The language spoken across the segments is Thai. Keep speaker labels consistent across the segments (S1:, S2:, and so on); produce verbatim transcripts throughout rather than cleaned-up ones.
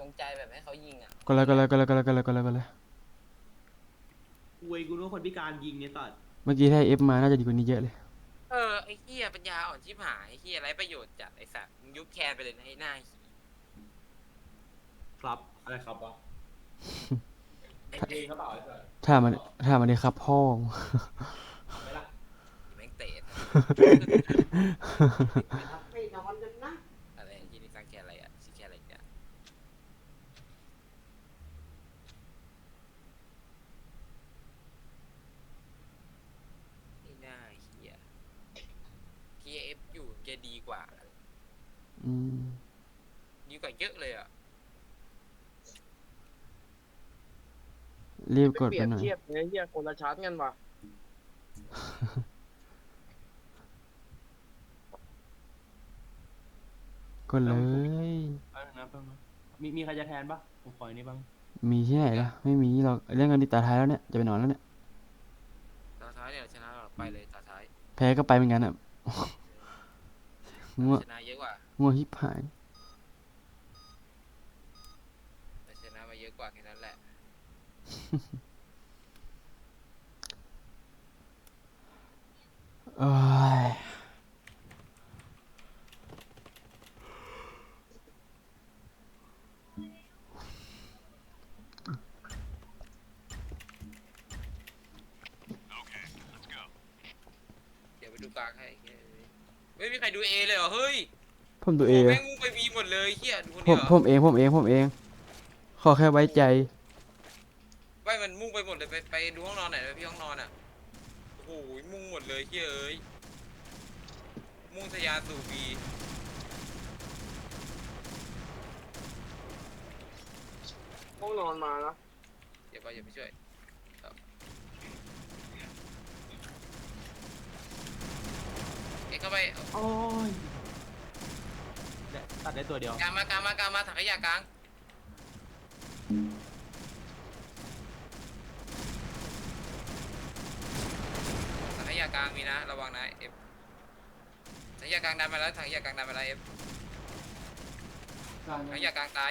S1: งใจแบบให้เขายิงอ่ะ
S2: ก็เลยก็เลยก็เลยก็เลยก็เลยก็เลยก็เลย
S3: กูเองกูรู้คนพิการยิงเนี่ยตัด
S2: เมื่อกี้ถ้าเอฟมาน่าจะดีกว่านี้เยอะเลย
S1: เออไอ้เหี้ยปัญญาอ่อนชิบหายไอ้เหี้ยไรประโยชน์จัดไอ้สัตว์มึงยุบแคนไปเลยนะไอ้หน้าหี
S3: ครับอะไรครับวะ
S1: ไอ้
S3: เพลงเขาเปล่าไอ้สัส
S2: ถ้ามันถ้ามันได้ครับพ่อ
S3: เอาไหมล่ะ
S1: แม่งเตะ
S4: ไม่นอนกันนะ
S1: อะไรที่นี่สร้างแคนอะไรอ่ะชื่อแคนอะไรเนี่ยไอ้หน้าเหี้ยทีเอฟอยู่แกดีกว่า
S2: อืม
S1: ดีกว่าเยอะเลยอ่ะ
S2: รีบกด
S4: เปรี
S2: ไป
S4: ยบ
S2: หน่อย
S4: เทียบเนี่ยเฮียคนละชั้นกันว่ะ
S2: กดเลย
S3: เอาหนึ่งนะเพิ่มนะมีมีใครจะแทนปะผมขออันนี้บ้าง
S2: มีที่ไหนล่ะไม่มีหรอกเรื่องกันดีตาท้ายแล้วเนี่ยจะไปนอนแล้วเนี่ย
S1: ตาท้ายเนี่ยชนะเราไปเลยตาท้าย
S2: แพ้ก็ไปเหมือนกันอ่ะง่วง
S1: ชนะเยอะกว่า
S2: ง่วงฮิบหาย
S1: ชนะมาเยอะกว่าแค่นั้นแหละ
S2: เอ้ย
S1: เดี๋ยวไปดูกลางให้ไม่มีใครดูเอเลยเหรอเฮ้ย
S2: ผมดูเอ
S1: โอ้แม่งมุ่งไปบีหมดเลยเฮียดูคน
S2: ผ
S1: เดีย
S2: ม
S1: ว
S2: ผมเองผมเองผมเองขอแค่ไว้ใจ
S1: ไม่มันมุ่งไปหมดเลยไปไปดูห้องนอนไหนอยพี่ห้องนอนอ่ะโอ้โหมุ่งหมดเลยเฮียเอ้ยมุ่งทะยานสู่บี
S4: ห้องนอนมานะ
S1: เดี๋ยวไปอย่าไปช่วยเอ็กเข้าไป
S3: โอ้ยได้ตัดได้ตัวเดียว
S1: กลางมากลางมากลางมาถังขยะกลางถังขยะกลางมีนะระวังนะเอฟถังขยะกลางดันมาแล้วถังขยะกลางดันมาแล้วเอฟถังขยะกลางตาย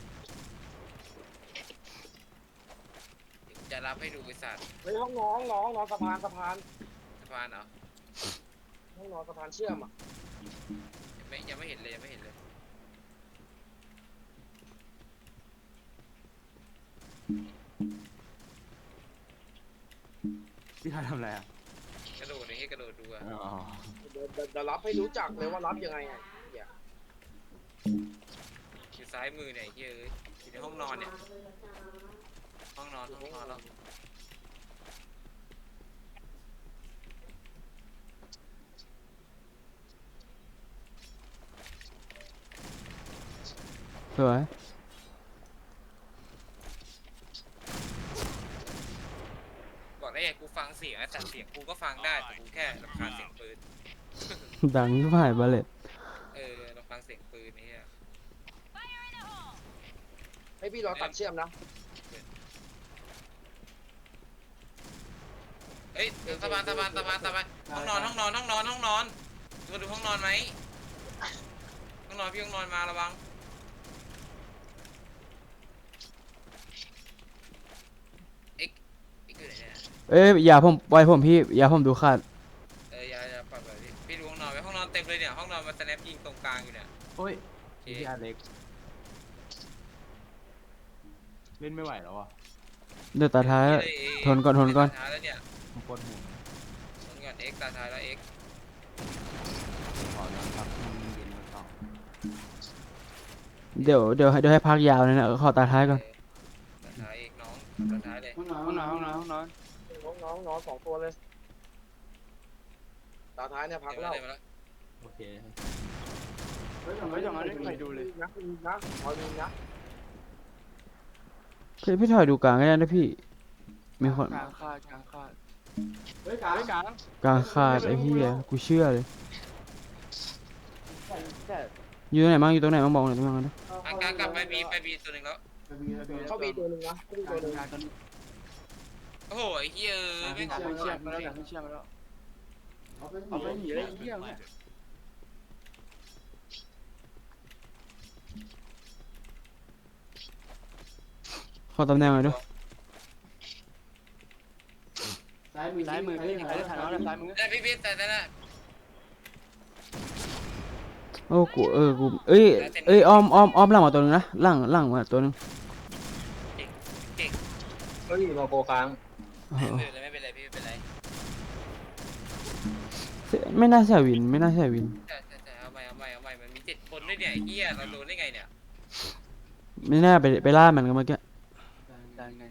S1: จะรับให้ดูบริษัท
S4: เฮ้ยห้องนอนห้องนอนห้องนอนสะพานสะพาน
S1: สะพานเหรอ
S4: ห้องนอนสะพานเชื่อมอ่ะ
S1: ยังไม่ยังไม่เห็นเลยยังไม่เห็นเลย
S3: พี่ทายทำอะไรอ่ะ
S1: กระโดดเลยให้กระโดดดูอะ
S3: อ๋อ
S4: เดี๋ยวเดี๋ยวเดี๋ยวรับให้รู้จักเลยว่ารับยังไงอ่ะเหี้ย
S1: อยู่ซ้ายมือเนี่ยเฮ้ยอยู่ในห้องนอนเนี่ยห้องนอนห้องนอนแล้ว
S2: สวย
S1: บอกได้ไงกูฟังเสียงแต่เสียงกูก็ฟังได้แต่กูแค่รำคาญเสียงปืน
S2: ดังที่ผ่านบาเลต
S1: เออรำคาญเสียงปืนนี่ฮะ
S4: ให้พี่รอตัดเชื่อมนะ
S1: เอ้ยสะพานสะพานสะพานสะพานห้องนอนห้องนอนห้องนอนห้องนอนมาดูห้องนอนไหมห้องนอนพี่ห้องนอนมาระวังเอ็กเอ็กอยู่ไหนเนี่ย
S2: เอ้ยอย่าผมปล่อยผมพี่อย่าผมดูขาด
S1: เอออย่าอย่าปล่อยไปพี่พี่ดูห้องนอนไว้ห้องนอนเต็มเลยเนี่ยห้องนอนมาสแนปยิงตรงกลางอยู่เนี่ย
S3: โอ้ย
S1: โอเค
S3: พี่อาเล็กเล่นไม่ไหวแล้วอ่ะ
S2: เดี๋ยวตาท้ายทนก่อนทนก่อน
S1: ตาท้ายแล้วเนี่ย
S3: ผมปวดหัว
S1: ทนก่อนเอ็กตาท้ายแล้วเอ็ก
S3: ขอนอนพักให้มันเย็นมาต่อ
S2: เดี๋ยวเดี๋ยวให้เดี๋ยวให้พักยาวเลยนะขอตาท้ายก่อน
S1: ตาท้ายเอ็กน้องตาท้ายเลย
S3: ห้องนอนห้องนอนห้องนอนห้องนอน
S4: น้องน้องน้องสองตัวเลยตาท้ายเนี่ยพัก
S1: เดี๋ยว
S4: แล้
S1: มาว เลยมาแล้ว
S3: โอเคเฮ้ยจังเฮ้ยจังไม่ไปดูเลย
S4: นะคุณนะขอดูนะ
S2: พี่พี่ถอยดูกลางก็ได้นะพี่มีคน
S3: กลางคาดกลางคาดเฮ้ยกลางกลาง
S2: กลางขาดไอ้เหี้ยกูเชื่อเลยอยู่ตรงไหนบ้างอยู่ตรงไหนบ้างบอกหน่อยตรงไหนบ้างนะ
S1: กลางกลางกลับไปบีไปบีตัวหนึ่งแล้ว
S4: เข้าบีตัวหนึ่งนะเข้าบี
S3: ก
S4: ตัวหนึ่ง
S3: ลางกัน
S1: โอ้โหไอ้เหี้ยเอ้ยไม่
S3: ไม่เชื่อมมาแล้วไม่เชื่อมมาแล้วเอาไปหนีเลยเหี้ยเนี่ย
S2: อตำแหน่งหน่อยดู
S3: ซ้ายมือซ้ายมือพี่ใครได้ถ่ายน้องซ้ายมือ
S1: ได้พี่พี่แต่แต่ละ
S2: โอ้กูเออกูเอ้ยเอ้ยอ้อมอ้อมอ้อมหลังมาตัวนึงนะหลังหลังมาตัวนึง
S1: เก่ง
S4: เฮ้ยมาโกค้าง
S2: เอ
S1: ไม่
S2: อ
S1: เป็นไรไม่เป็นไรพี่ไม่เป็นไร
S2: ไม่น่าใช่วินไม่น่าใช่วิน
S1: แต่แต่แต่เอาใหม่เอาใหม่เอาใหม่มันมีเจ็ดคนด้วยเนี่ยไอ้เฮียเราโดนได้ไงเนี่ย
S2: ไม่น่าไปไปล่ามันกันเมื่อกี้
S3: ได้ไง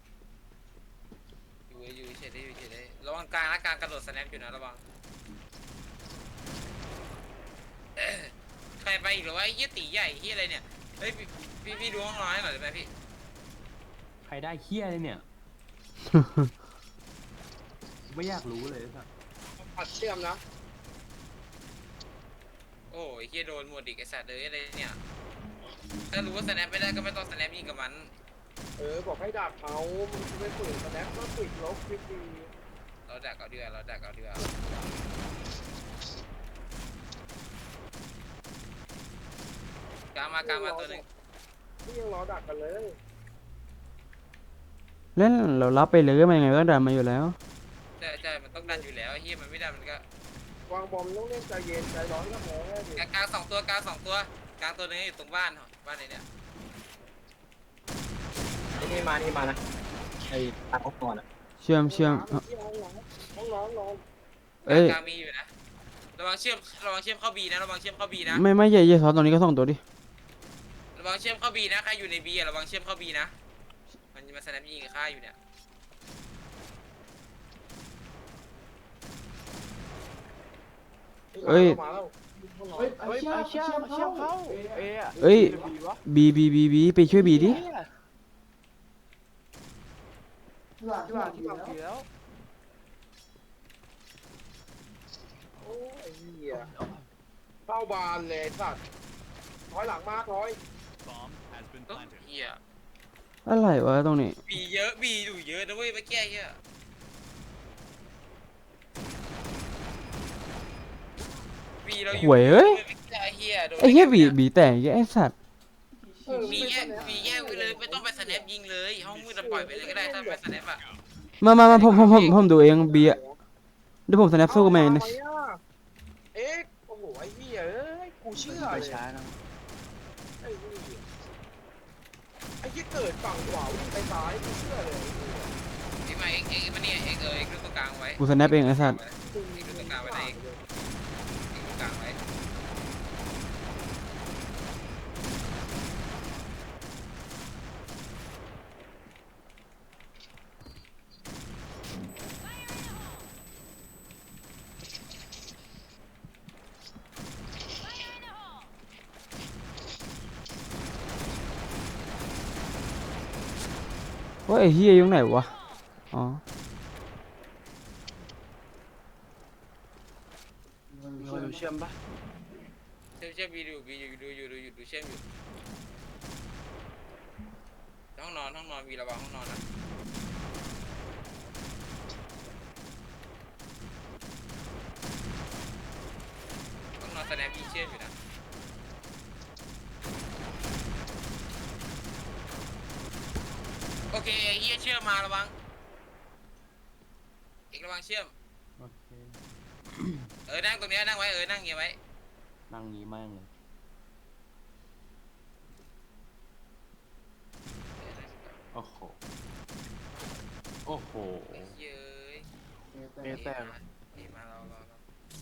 S1: อยู่อยู่เฉยได้อยู่เฉยได้ระวังกลางนะกลางกระโดดสแนปอยู่นะระวังเอ้ยใครไปอีกหรือว่าไอ้เฮียตีใหญ่เฮียอะไรเนี่ยเฮ้ยพี่พี่พี่ดูห้องนอนให้หน่อยได้ไหมพี่
S5: ใครได้เคี้ยเลยเนี่ย ไม่อยากรู้เลยสัส
S4: ปัดเชื่อมนะ
S1: โอ้ยเฮียโดนหมดอีกไอสัตว์เลยอะไรเนี่ยถ้ารู้ว่าสแนปไม่ได้ก็ไม่ต้องสแนปยิงกับมัน
S4: เออบอกให้ดักเขามึงจะไม่ฝืนแสดงก็ฝืนลบฟรี
S1: เราดักเอาดีกว่าเราดักเอาดีกว่า กลางมากลางมาตัวหนึ่ง
S4: ๆนี่ยังรอดักกันเลย
S2: เล่นเรารับไปเลยมันยังไงก็ดันมาอยู่แล้ว
S1: ใช่ใช่มันต้องดันอยู่แล้วไอ้เฮียมันไม่ดันมันก็
S4: วางบอมต้องเล่นใจเย็นใจร้อนก็แพ้ดิ
S1: กลางกลางสองตัวกลางสองตัวกลางตัวหนึงอยู่ตรงบ้านบ้านไหนเนี่ย
S6: นี่มา นี่มานะ ไอ้ตาเขาก่อนอ่ะ
S2: เชื่อมเชื่อมเอ้า
S4: ห้องน้ำห้องน้ำนอน
S2: เอ้ย
S1: กลางมีอยู่นะระวังเชื่อมระวังเชื่อมเข้าบีนะระวังเชื่อมเข้าบีนะ
S2: ไม่ไม่ใหญ่ใหญ่ซอสตรงนี้ก็ส่งตัวดิ
S1: ระวังเชื่อมเข้าบีนะใครอยู่ในบีระวังเชื่อมเข้าบีนะมันจะมาสแนปยิงกับข้าอยู่เนี่ย
S2: เอ้ย
S4: มาแล้วห้องนอน
S3: เฮ้ยเฮ้ยไอ้เชี่ยเชี่ยเข้าเอ๊ะ
S2: เอ้ย
S3: บีวะ
S2: บีบีบีบีไปช่วยบีดิ
S3: ที่วางที่วางที่วางบีแล้ว
S4: โอ้ยไอ้เหี้ยเข้าบานเลยสัตว์ถอยหลังมาถอย
S1: โอ้เฮีย
S2: อะไรวะตรงนี้
S1: บีเยอะบีอยู่เยอะนะเว้ยเมื่อกี้เฮียบีเราอยู่
S2: หวยเอ้ย
S1: เมื่อกี้ไอ้เฮียโดน
S2: ไอ้เหี้ยบีบีแต่งไอ้สัตว์
S1: บีแยกบีแยกไปเลยไม่ต้องไปสแนปยิงเลยห้องมืดเราปล่อยไปเลยก็ได้ถ้าไปสแนปอะ
S2: มามามาผมผมผมผมดูเองบีอะเดี๋ยวผมสแนปสู้กับแมนนะ
S4: เอาอะไรอะเอ๊ะโอ้โหไอ้เหี้ยเอ้ยกูเชื่อ
S3: ไป
S4: เลย
S3: ช้านะ
S4: ไอ้เหี้ยไอ้ที่เกิดฝั่งขวาวิ่งไปซ้ายกูเชื่อเลย
S1: เอ็กมาเอ็กเอ็กมาเนี่ยเอ็กเออเอ็กดูตรงกลางไว้
S2: กูสแนปเองไอ้สัตว์
S1: เอ็กดูตรงกลางไว้นะเอ็กเอ็กดูกลางไว้
S2: ว่าไอ้เหี้ยอยู่ไหนวะอ๋อ
S3: มีคนดูเชื่อมปะ
S1: เชื่อมเชื่อมบีดูบีอยู่ดูอยู่ดูอยู่ดูเชื่อมอยู่ห้องนอนห้องนอนบีระวังห้องนอนนะห้องนอนสแนปบีเชื่อมอยู่นะโอเคไอ้เฮียเชื่อมมาระวังเอกระวังเชื่อม
S5: โอเค
S1: เออนั่งตรงเนี้ยนั่งไว้เออนั่งเงี้ยไว้
S5: นั่งนี้แม่งเลย โอ้โห โอ้โห
S1: ไอ้เหี้ยเอ้ย
S3: เอ๊ะแต่
S1: นี่มาเราเราเรา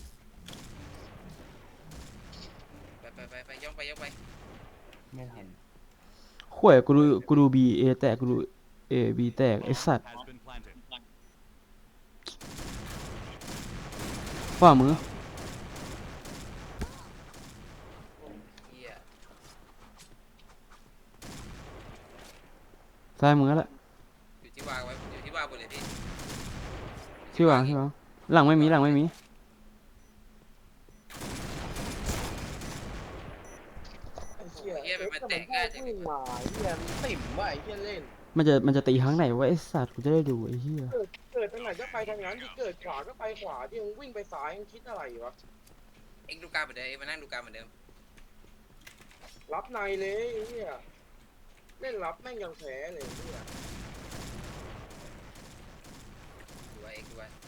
S1: ไปไปไปไปย่องไปย่องไป
S5: ไม่ทัน
S2: ข่วยกูดูกูดูบีเอแตกกูดูเอบีแตกไอ้สัตว์ฝ่ามือ
S1: เหี้ย
S2: ซ้ายมือแหละ
S1: อยู่ที่วางไว้อยู่ที่วางบนเลยพี่
S2: ที่วางที่วางหลังไม่มีหลังไม่มี
S4: ไอ้เหี้ย
S1: เหี้ยมันมันแตก
S4: ง่า
S1: ง่าย ยจัง
S4: วิ่งมาไอ้เหี้ยมันติ่มว่ะไอ้เหี้ยเล่น
S2: มันจะมันจะตีครั้งไหนวะไอ้สัตว์กูจะได้ดูไอ้เหี้ย
S4: เกิดเกิดทางไหนก็ไปทางนั้นที่เกิดขวาก็ไปขวาที่มึงวิ่งไปซ้ายมึงคิดอะไรวะ
S1: เอ็งดูการเหมือนเดิมเอ็งมานั่งดูการเหมือนเดิม
S4: รับในเลยไอ้เหี้ยเล่นรับแม่งยังแพ้เลยเนี่ย
S1: ดูไว้เอ็กซ์ดูไว้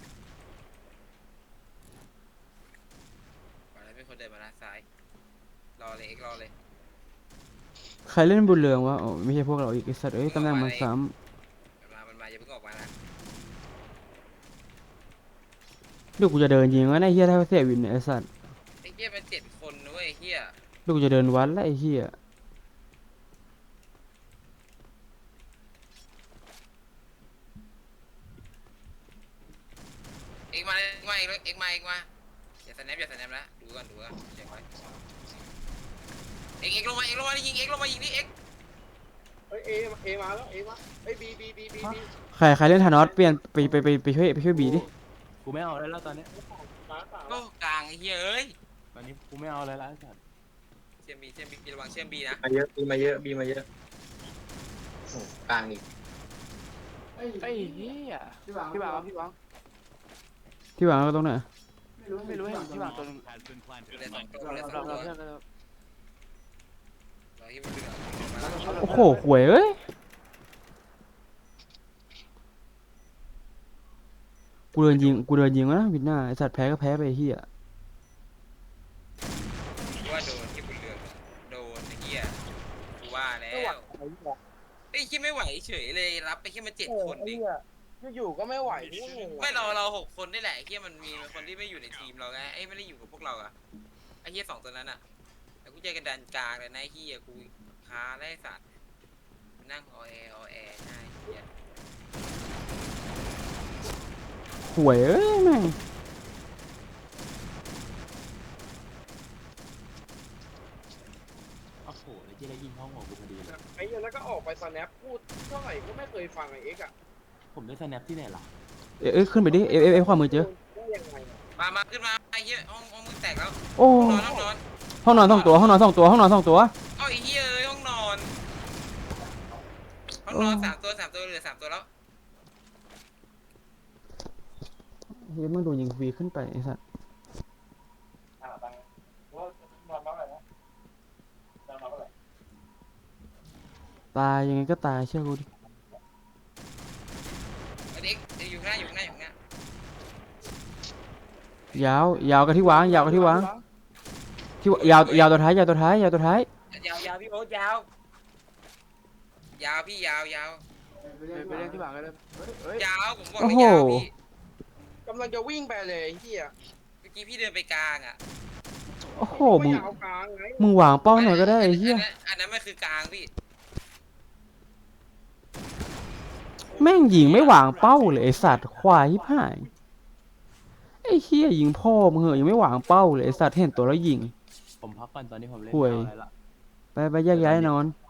S1: ก่อนแล้วมีคนเดินมาด้านซ้ายรอเลยเอ็กซ์รอเลย
S2: ใครเล่นบุญเรืองวะอ๋อไม่ใช่พวกเราอีกไอ้สัตว์เอ้ยตำแหน่งมันซ้
S1: มันมามันมาอย่าเพิ่งออกมานะ
S2: ำเดี๋ยวกูจะเดินยิงวะไอ้เหี้ยถ้าเสียวินเนี่ยไอ้สัตว์
S1: ไอ้เหี้ยมันเจ็ดคนนะเว้ยไอ้เหี้ย
S2: เดี๋ยวกูจะเดินวัดแล้วไอ้เหี้ย
S1: เอ็กซ์มาเลยเอ็กซ์มาเอ็กซ์เอ็กซ์มาเอ็กซ์มาอย่าสแนปอย่าสแนปนะดูก่อนดูก่อนเช็คไว้เอ็กซ์เอ็กซ์ลงมาเอ็กซ์ลงมายิงเอ็กซ์ลงมายิงนี่เอ็กซ์
S4: เอ้ยเอเอมาแล้วเอมาเอ้ยบีบีบีบีบี
S2: ใครใครเล่นธานอสเปลี่ยนไปไปไปไปช่วยไปช่วยบีดิ
S5: กูไม่เอาอะไรแล้วตอนเนี้ย
S4: มาสาม
S1: โอ้กลางไอ้เหี้ยเอ้ย
S5: ตอนนี้กูไม่เอาอะไรแล้วไอ้สัตว์
S1: เชื่อมบีเชื่อมบีระวังเชื่อมบีนะ
S6: มาเยอะบีมาเยอะบีมาเยอะโอ้กลางอีก
S3: ไอ้เหี้ยพี่วางพี่วางพี่วาง
S2: ที่วางก็ตรงไหน
S3: ไม่รู้ไม่รู้ให้พี่วางตัวนึง
S1: ดูเลยสองตัว
S3: เรา
S1: เลยส
S3: เรา
S1: อง
S3: เรา
S1: ตัว
S3: เพื่อนกัน
S1: รอที่มันดึงออกมา
S2: โอ้โหหวยเอ้ยกูเดินยิงกูเดินยิงวะนะวินหน้าไอ้สัตว์แพ้ก็แพ้ไปไอ้เหี้ย
S1: กูว่าโดนที่บุญเรืองโดนไอ้เหี้ยกูว่าแล้ว
S4: ไอ้เหี้ย
S1: ไอ้ที่ไม่ไหวเฉยเลยรับไปแค่มาเจ็ด
S4: เออ
S1: คน
S4: ไอ้
S1: ดิ
S4: เหี้ยอยู่ๆก็ไม่ไหวนี่งง
S1: ไม่เราเราหกคนนี่แหละไอ้เหี้ยมันมีคนที่ไม่อยู่ในทีมเราไงไอ้ไม่ได้อยู่กับพวกเราอะไอ้เหี้ยสองตัวนั้นอะแต่กูเจอกันดันกลางเลยนะไอ้เหี้ยกูค้าไล่สัตว์นั่งออแอออแอหน้าไอ้เหี้ย
S2: หวยเอ้ยแม่ง
S5: โอ้โหแล้วที่ได้ยิงห้องหัวกูพอดีเลย
S4: ไอ้เหี้ยแล้วก็ออกไปสแนปพูดเท่าไหร่ก็ไม่เคยฟังไอ้เอ็กซ์อะ
S5: ผมได้สแนปที่ไหนล่ะ
S2: เอ้ยเอ้ยขึ้นไปดิเอฟเอฟเอฟความมือเจอ
S4: ได้ยังไงอะ
S1: มามาขึ้นมาไอ้เหี้ยห้องห้องมึงแตกแล้ว
S2: โอ้
S1: ห้องนอนห้องนอน
S2: ห้องนอนสองตัวห้องนอนสองตัวห้องนอนสองตัว
S1: เอ้าไอ้เหี้ยเอ้ยห้องนอนห้องนอนสามตัวสามตัวเหลือสามตัวแล้ว
S2: เฮ้ยมึงโดนยิงฟรีขึ้นไปไอ้สัส
S4: อ่าตังค์ว่านอนมาอะไรนะนอนมาอะไร
S2: ตายยังไงก็ตายเชื่อกูดิ
S1: ไอ้เด็กเด็กอยู่ข้างหน้าอยู่ข้างหน้าอยู่ข้างหน้าย
S2: าวยาวกับที่วางยาวกับที่วางที่ยาวยาวตัวท้ายยาวตัวท้ายยาวตัวท้าย
S1: ยาวยาวพี่โอ๊ตยาวยาวพี่ยาวยาว
S3: ไปเล่นที่วางกันเลยเฮ้ย
S1: ยาวผมบอกเลยยาวพี่
S4: กำลังจะวิ่งไปเลยไอ้เหี้ย
S1: เมื่อกี้พี่เดินไปกลางอ่ะ
S2: โอ้โห
S4: ไม่
S2: มึง
S4: อยากเอากลางไง
S2: มึงวางเป้าหน่อยก็ได้ไอ้เหี้ย
S1: อันนั้นอันนั้นมันคือกลางพี่
S2: แม่งยิงไม่วางเป้าเลยไอ้สัตว์ควายที่ผ่ายไอ้เหี้ยยิงพ่อมึงเหอะยังไม่วางเป้าเลยไอ้สัตว์เห็นตัวแล้วยิง
S5: ผมพักก่อนตอนนี้ผมเล่น
S2: ห่วย
S5: ไม่เอาอะไรละ
S2: ไปไปแยกย้ายนอน
S5: เ